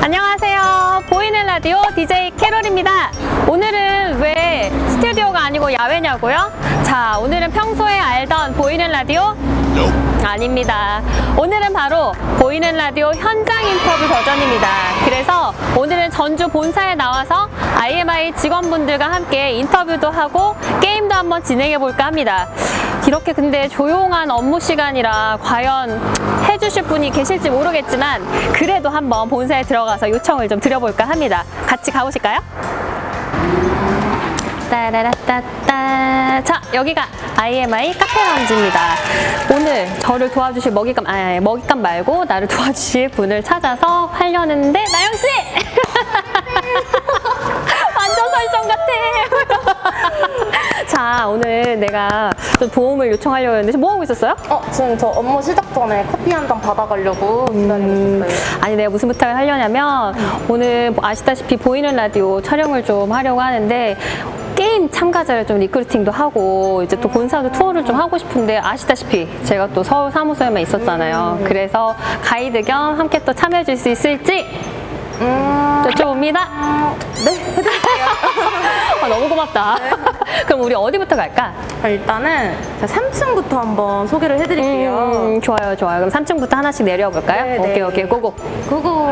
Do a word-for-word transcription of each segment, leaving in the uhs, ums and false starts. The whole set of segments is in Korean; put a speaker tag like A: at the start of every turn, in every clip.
A: 안녕하세요. 보이는 라디오 디제이 캐롤입니다. 오늘은 왜 스튜디오가 아니고 야외냐고요? 자, 오늘은 평소에 알던 보이는 라디오? 아닙니다. 오늘은 바로 보이는 라디오 현장 인터뷰 버전입니다. 그래서 오늘은 전주 본사에 나와서 아이엠아이 직원분들과 함께 인터뷰도 하고 게임도 한번 진행해 볼까 합니다. 이렇게 근데 조용한 업무 시간이라 과연 해주실 분이 계실지 모르겠지만 그래도 한번 본사에 들어가서 요청을 좀 드려볼까 합니다. 같이 가보실까요? 따라라따따. 자, 여기가 아이엠아이 카페 라운지입니다. 오늘 저를 도와주실 먹잇감, 아니, 먹잇감 말고 나를 도와주실 분을 찾아서 하려는데, 나영씨! 완전 설정 같아. 자, 오늘 내가 좀 도움을 요청하려고 했는데, 뭐 하고 있었어요?
B: 어, 지금 저 업무 시작 전에 커피 한 잔 받아가려고 기다리고
A: 음,
B: 있었어요.
A: 아니, 내가 무슨 부탁을 하려냐면, 음. 오늘 아시다시피 보이는 라디오 촬영을 좀 하려고 하는데, 게임 참가자를 좀 리크루팅도 하고 이제 또 본사도 투어를 좀 하고 싶은데 아시다시피 제가 또 서울 사무소에만 있었잖아요. 그래서 가이드 겸 함께 또 참여해 줄 수 있을지
B: 음...
A: 여쭤봅니다.
B: 네, 해드릴게요.
A: 아, 너무 고맙다.
B: 네.
A: 그럼 우리 어디부터 갈까?
B: 일단은 삼 층부터 한번 소개를 해드릴게요.
A: 음, 좋아요, 좋아요. 그럼 삼 층부터 하나씩 내려와 볼까요?
B: 네,
A: 오케이,
B: 네.
A: 오케이, 고고.
B: 그거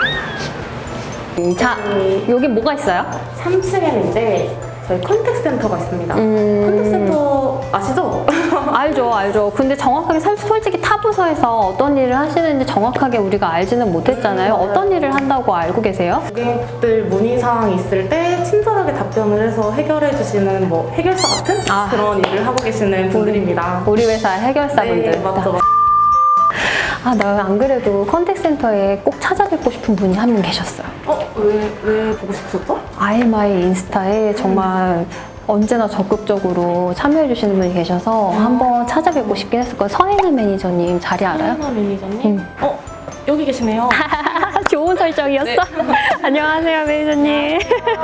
A: 음, 자, 여기 뭐가 있어요?
B: 삼 층에는 이제 저희 컨택 센터가 있습니다.
A: 음...
B: 컨택 센터 아시죠?
A: 알죠, 알죠. 근데 정확하게 사- 솔직히 타 부서에서 어떤 일을 하시는지 정확하게 우리가 알지는 못했잖아요.
B: 음,
A: 어떤 일을 한다고 알고 계세요?
B: 고객들 문의사항이 있을 때 친절하게 답변을 해서 해결해 주시는 뭐 해결사 같은
A: 아.
B: 그런 일을 하고 계시는 분들입니다.
A: 우리 회사 해결사분들.
B: 네, 맞죠, 맞죠.
A: 아, 나 안 그래도 컨택센터에 꼭 찾아뵙고 싶은 분이 한 분 계셨어요.
B: 어? 왜, 왜 보고 싶으셨죠?
A: 아이엠아이 인스타에 정말 언제나 적극적으로 참여해주시는 분이 계셔서 한번 찾아뵙고 싶긴 했었거든요. 서혜나 매니저님 자리 알아요?
B: 서혜나 매니저님?
A: 응.
B: 어? 여기 계시네요.
A: 좋은 설정이었어.
B: 네.
A: 안녕하세요, 매니저님.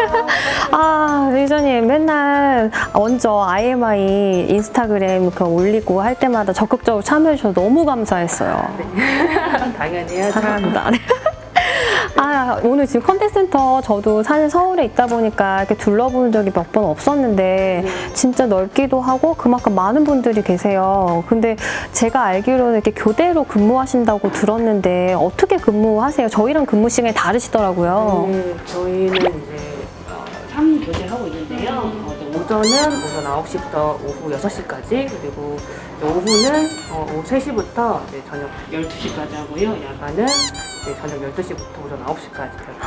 A: 아, 매니저님 맨날 먼저 아이엠아이 인스타그램 그 올리고 할 때마다 적극적으로 참여해주셔서 너무 감사했어요.
B: 네. 당연히
A: 사랑합니다. 아, 오늘 지금 컨택센터 저도 사실 서울에 있다 보니까 이렇게 둘러본 적이 몇 번 없었는데 진짜 넓기도 하고 그만큼 많은 분들이 계세요. 근데 제가 알기로는 이렇게 교대로 근무하신다고 들었는데 어떻게 근무하세요? 저희랑 근무 시간이 다르시더라고요.
C: 네, 저희는 이제 어, 삼 교대를 하고 있는데요. 어, 이제 오전은 오전 아홉 시부터 오후 여섯 시까지, 그리고 이제 오후는 어, 오후 세 시부터 이제 저녁 열두 시까지 하고요. 야간은 이제 저녁 열두 시부터 오전 아홉 시까지.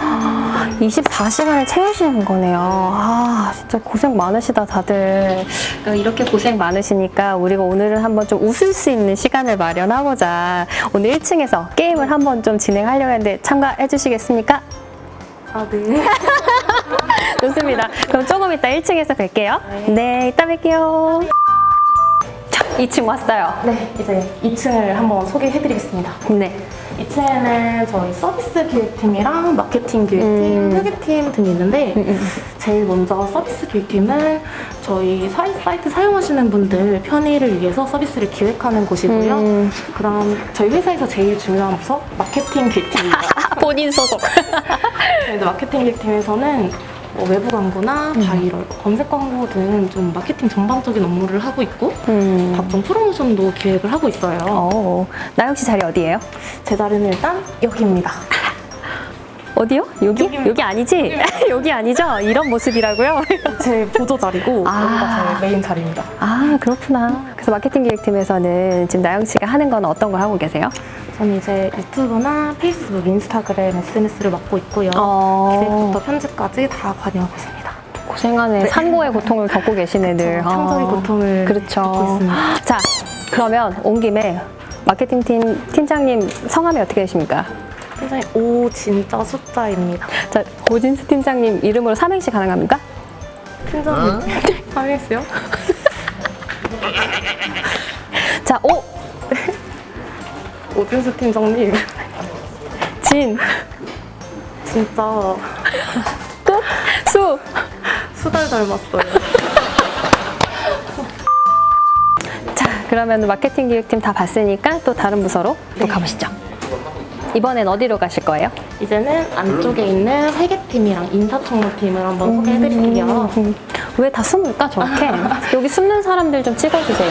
A: 이십사 시간을 채우시는 거네요. 아, 진짜 고생 많으시다, 다들. 그러니까 이렇게 고생 많으시니까 우리가 오늘은 한번 좀 웃을 수 있는 시간을 마련하고자 오늘 일 층에서 게임을 한번 좀 진행하려고 했는데 참가해 주시겠습니까?
B: 아, 네.
A: 좋습니다. 그럼 조금 이따 일 층에서 뵐게요. 네, 이따 뵐게요. 자, 이 층 왔어요.
B: 네, 이제 이 층을 한번 소개해드리겠습니다.
A: 네.
B: 이 층에는 저희 서비스 기획팀이랑 마케팅 기획팀,
A: 음.
B: 회계팀 등이 있는데
A: 음, 음.
B: 제일 먼저 서비스 기획팀은 저희 사이, 사이트 사용하시는 분들 편의를 위해서 서비스를 기획하는 곳이고요.
A: 음.
B: 그다음 저희 회사에서 제일 중요한 부서 마케팅 기획팀입니다.
A: 본인 소속.
B: 저희 마케팅 기획팀에서는 뭐 외부 광고나 바이럴, 검색 광고 등 좀 마케팅 전반적인 업무를 하고 있고
A: 음.
B: 각종 프로모션도 기획을 하고 있어요.
A: 어, 나영 씨 자리 어디예요?
B: 제 자리는 일단 여기입니다.
A: 어디요? 여기?
B: 여기입니다.
A: 여기 아니지? 여기 아니죠? 이런 모습이라고요?
B: 제 보조 자리고
A: 아.
B: 여기가 제 메인 자리입니다.
A: 아, 그렇구나. 그래서 마케팅 기획팀에서는 지금 나영 씨가 하는 건 어떤 걸 하고 계세요?
B: 저는 이제 유튜브나 페이스북, 인스타그램, 에스엔에스를 맡고 있고요.
A: 어.
B: 기획부터 편집까지 다 관여하고 있습니다.
A: 고생하네.
B: 네.
A: 산고의 고통을 겪고 계시네, 늘.
B: 그쵸, 창조의 고통을
A: 그렇죠.
B: 겪고 있습니다.
A: 자, 그러면 온 김에 마케팅팀 팀장님 성함이 어떻게 되십니까?
B: 굉장히 오 진짜 숫자입니다.
A: 자, 고진수 팀장님 이름으로 삼행시 가능합니까?
B: 팀장님 하겠어요?
A: 자, 오!
B: 오진수 팀장님
A: 진!
B: 진짜
A: 끝! 수!
B: 수달 닮았어요.
A: 자, 그러면 마케팅 기획팀 다 봤으니까 또 다른 부서로 또 가보시죠. 이번엔 어디로 가실 거예요?
B: 이제는 안쪽에 있는 회계팀이랑 인사청문팀을 한번 소개해드릴게요.
A: 음, 왜 다 숨을까 저렇게? 여기 숨는 사람들 좀 찍어주세요.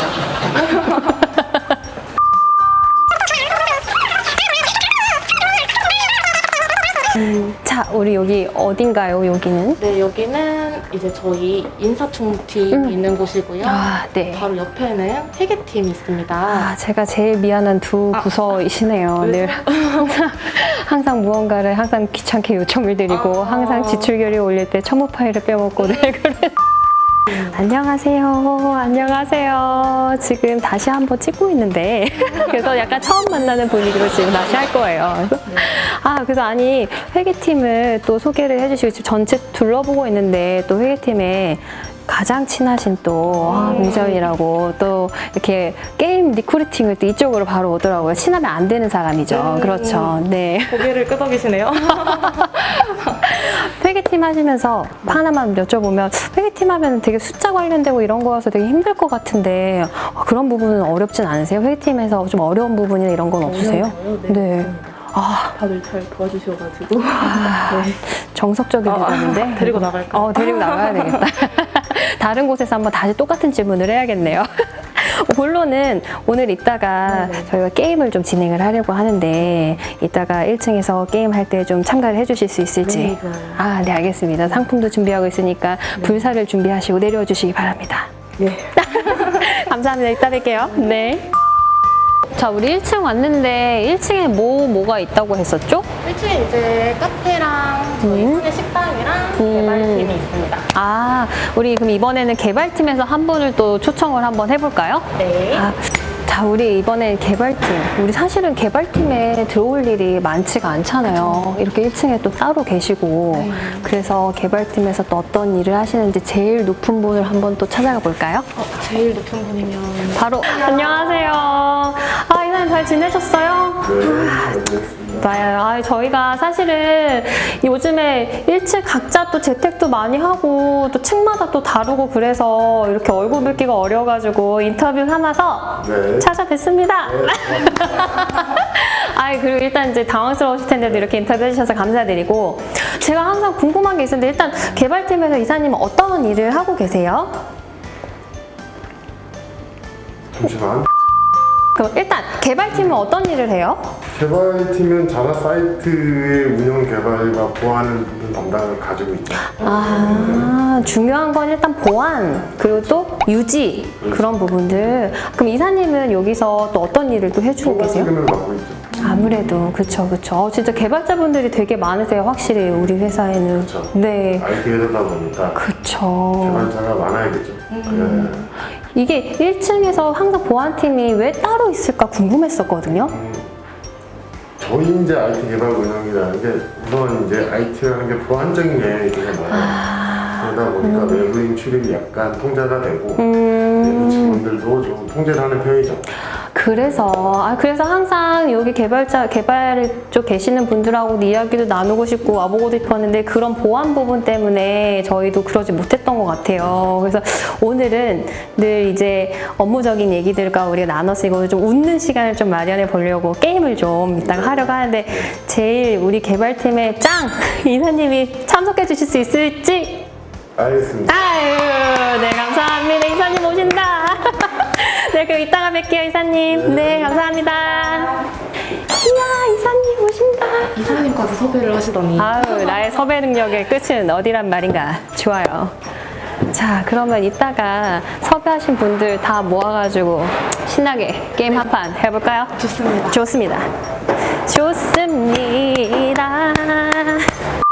A: 자, 우리 여기 어딘가요, 여기는?
B: 네, 여기는 이제 저희 인사청문팀
A: 음.
B: 있는 곳이고요.
A: 아, 네.
B: 바로 옆에는 회계팀이 있습니다.
A: 아, 제가 제일 미안한 두 부서이시네요.
B: 왜죠?
A: 늘 항상, 항상 무언가를 항상 귀찮게 요청을 드리고
B: 아.
A: 항상 지출 결의 올릴 때 첨부 파일을 빼먹고 늘 그래. 안녕하세요. 안녕하세요. 지금 다시 한번 찍고 있는데 그래서 약간 처음 만나는 분위기로 지금 다시 할 거예요. 그래서 아, 그래서 아니 회계팀을 또 소개를 해주시고 지금 전체 둘러보고 있는데 또 회계팀에 가장 친하신 또 아, 미전이라고 또 이렇게 게임 리크루팅을 또 이쪽으로 바로 오더라고요. 친하면 안 되는 사람이죠.
B: 음.
A: 그렇죠. 네.
B: 고개를 끄덕이시네요.
A: 회계팀 하시면서 하나만 여쭤보면 회계팀 하면 되게 숫자 관련되고 이런 거여서 되게 힘들 것 같은데 아, 그런 부분은 어렵진 않으세요? 회계팀에서 좀 어려운 부분이나 이런 건 없으세요?
B: 어려워요? 네.
A: 네. 아,
B: 다들 잘 도와주셔가지고.
A: 아,
B: 네.
A: 정석적인
B: 아,
A: 대답인데
B: 데리고 나갈까요?
A: 어, 데리고 나가야 되겠다. 다른 곳에서 한번 다시 똑같은 질문을 해야겠네요. 본론은 오늘 이따가
B: 네네.
A: 저희가 게임을 좀 진행을 하려고 하는데 이따가 일 층에서 게임 할 때 좀 참가를 해주실 수 있을지.
B: 네, 좋아요.
A: 아, 네, 알겠습니다. 상품도 준비하고 있으니까 불사를 준비하시고 내려와 주시기 바랍니다.
B: 네.
A: 감사합니다. 이따 뵐게요. 네. 자, 우리 일 층 왔는데 일 층에 뭐, 뭐가 있다고 했었죠?
B: 일 층에 이제 카페랑 저희
A: 음.
B: 손의 식당이랑
A: 음.
B: 개발팀이 있습니다.
A: 아, 우리 그럼 이번에는 개발팀에서 한 분을 또 초청을 한번 해볼까요?
B: 네.
A: 아, 자, 우리 이번엔 개발팀. 우리 사실은 개발팀에 들어올 일이 많지가 않잖아요. 이렇게 일 층에 또 따로 계시고.
B: 네.
A: 그래서 개발팀에서 또 어떤 일을 하시는지 제일 높은 분을 한번 또 찾아가 볼까요?
B: 어, 제일 높은 분이면
A: 바로. 안녕하세요. 아, 이사님 잘 지내셨어요? 네, 아, 저희가 사실은 요즘에 일 층 각자 또 재택도 많이 하고 또 층마다 또 다르고 그래서 이렇게 얼굴 뵙기가 어려워가지고 인터뷰 삼아서
D: 네.
A: 찾아뵙습니다. 아, 그리고 일단 이제 당황스러우실 텐데도 이렇게 인터뷰 해주셔서 감사드리고 제가 항상 궁금한 게 있었는데 일단 개발팀에서 이사님은 어떤 일을 하고 계세요?
D: 잠시만.
A: 그럼 일단 개발팀은 어떤 일을 해요?
D: 개발팀은 자사 사이트의 운영 개발과 보안을 담당을 가지고 있죠.
A: 아, 중요한 건 일단 보안, 그리고 또 유지, 그런 부분들. 그럼 이사님은 여기서 또 어떤 일을 또 해주고
D: 초과
A: 계세요?
D: 책임을 맡고 있죠.
A: 아무래도, 그쵸, 그쵸. 어, 진짜 개발자분들이 되게 많으세요, 확실히, 우리 회사에는.
D: 그쵸.
A: 네.
D: 아이티 회사다 보니까
A: 그쵸.
D: 개발자가 많아야겠죠.
A: 음. 이게 일 층에서 항상 보안팀이 왜 따로 있을까 궁금했었거든요.
D: 네. 음, 저희 이제 아이티 개발 운영이라는 게 우선 이제 아이티라는 게 보안적인 영역이 되게 많아요.
A: 아,
D: 그러다 보니까 외부인 출입이 약간 통제가 되고 내부
A: 음.
D: 직원들도 좀 통제를 하는 편이죠.
A: 그래서 아 그래서 항상 여기 개발자 개발 쪽 계시는 분들하고 이야기도 나누고 싶고 와보고 싶었는데 그런 보안 부분 때문에 저희도 그러지 못했던 것 같아요. 그래서 오늘은 늘 이제 업무적인 얘기들과 우리가 나눠서 이거 좀 웃는 시간을 좀 마련해 보려고 게임을 좀 이따가 하려고 하는데 제일 우리 개발팀의 짱 이사님이 참석해 주실 수 있을지.
D: 알겠습니다.
A: 아유, 네, 감사합니다. 이사님 오신다. 네, 그럼 이따가 뵐게요, 이사님. 네, 감사합니다. 이야, 이사님 오신다.
B: 이사님까지 섭외를 하시더니
A: 아유, 나의 섭외 능력의 끝은 어디란 말인가. 좋아요. 자, 그러면 이따가 섭외하신 분들 다 모아가지고 신나게 게임 한 판 해볼까요?
B: 좋습니다.
A: 좋습니다. 좋습니다.